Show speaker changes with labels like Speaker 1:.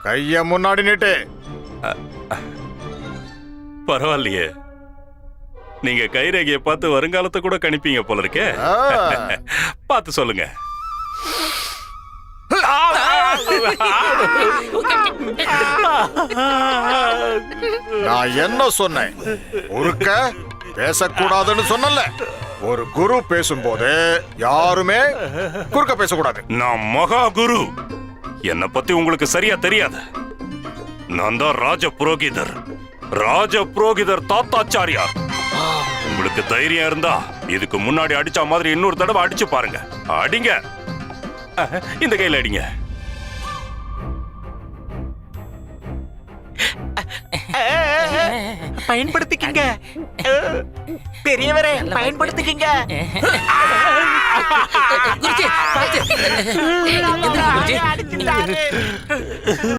Speaker 1: கைய முன்னாடி நீட்டு.
Speaker 2: பரவாயில்லையே, நீங்க கைரேகையை பார்த்து வருங்காலத்தை கூட கணிப்பீங்க போல இருக்கே. பார்த்து சொல்லுங்க.
Speaker 1: நான் என்ன சொன்னேன்? ஒருக்க பேசக்கூடாதுன்னு சொன்னல. ஒரு குரு பேசும்போது யாருமே குறுக்க பேசக்கூடாது.
Speaker 2: நான் மகா குரு. என்னை பத்தி உங்களுக்கு சரியா தெரியாது. நான் தான் ராஜ புரோகிதர், ராஜ புரோகிதர் தாத்தாச்சாரியார். உங்களுக்கு தைரியம் இருந்தா இதுக்கு முன்னாடி அடிச்ச மாதிரி இன்னொரு தடவை அடிச்சு பாருங்க. அடிங்க, இந்த கையில அடிங்க.
Speaker 3: பயன்படுத்திக்கங்க பெரியவரே, பயன்படுத்திக்கங்க.
Speaker 4: குருஜி, பார்த்து. எந்திரிங்க குருஜி.